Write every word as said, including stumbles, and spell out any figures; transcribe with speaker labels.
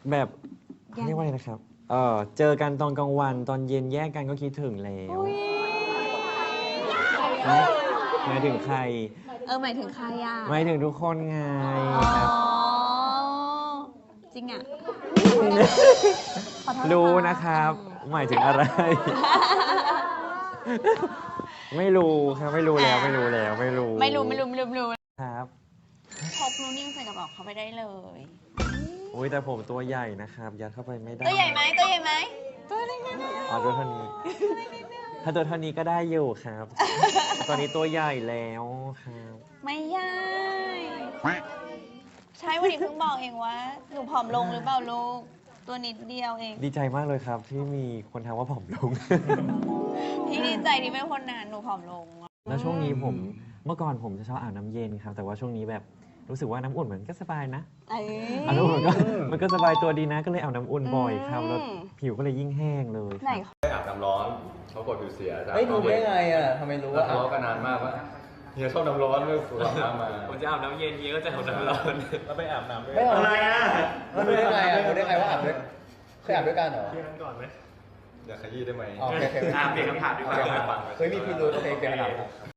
Speaker 1: แบบเรียกว่าอะไรนะครับเออเจอกันตอนกลางวันตอนเย็นแยกกันก็คิดถึงแล้วหมายถึงใคร
Speaker 2: เออหมายถึงใครอ่ะ
Speaker 1: หมายถึงทุกคนไง
Speaker 2: อ๋อ
Speaker 1: ครับ
Speaker 2: จริงอ่ะ
Speaker 1: รู้นะครับหมายถึงอะไร ไม่รู้ครับไม่รู้แล้วไม่รู้แล้วไม่รู้
Speaker 2: ไม่รู้ไม่รู้ไม่รู้ไม่รู้
Speaker 1: ครับ
Speaker 2: พกนูนิ่งใส่กระเป๋าเขาไปได้เลย
Speaker 1: อุ้ยแต่ผมตัวใหญ่นะครับยัดเข้าไปไม่ได้
Speaker 2: ตัวใหญ่ไหมตัวใหญ่ไหมตัวเล็กนิดเดียว
Speaker 1: อ๋อตัวเท่านี้ ถ้าตัวเท่านี้ก็ได้อยู่ครับ ตอนนี้ตัวใหญ่แล้วครับ
Speaker 2: ไม่ใหญ่ใช่วันนี้เพิ่งบอกเองว่าหนูผอมลงหรือเปล่าลูกตัวนิดเดียวเอง
Speaker 1: ดีใจมากเลยครับที่มีคนทักว่าผอมลง
Speaker 2: พี่ดีใจที่เป็นคนนานหนูผอมลง
Speaker 1: แล้วช่วงนี้ผมเมื่อก่อนผมจะชอบอาบน้ำเย็นครับ แต่ว่าช่วงนี้แบบรู้สึกว่าน้ำอุ่นเหมือนก็สบายนะ
Speaker 2: เอ้ย
Speaker 1: อาบน้ำอุ่นก็มันก็สบายตัวดีนะก็เลยอาบน้ำอุ่นบ่อยครับแล้วผิวก็เลยยิ่งแห้งเลยค
Speaker 2: ไหน
Speaker 1: รับ
Speaker 3: ไม่อาบน้ำร้อนเขากดผิวเสีย
Speaker 4: เฮ้ยรู้ได้ไงอ่ะทำไมรู้ว่า
Speaker 3: ทะเลาะกันนานมากว่าเฮียชอบน้ำร้อนไม่สูบน้ำมา
Speaker 5: ผมจะอาบน้ำเย็นเย็นก็จะอาบน้ำร้อน
Speaker 3: แล้วไปอาบน้ำด้วย
Speaker 4: ไม่เอา
Speaker 5: อะไรอ่ะ
Speaker 4: รู้ได้ไงอ่ะรู้ได้ไงว่าอาบด้วยเคยอาบด้วยกันเหรอ
Speaker 5: เที่ยงนั้นก่อนไหม
Speaker 3: อยากขยี้ได้ไหม
Speaker 4: อ๋อโอเคโอเค
Speaker 5: อ่ะเปลี่ยนคำถามดีกว่า
Speaker 4: เฮ้ยมีพิรุธโอเคเปลี่ยนคำถาม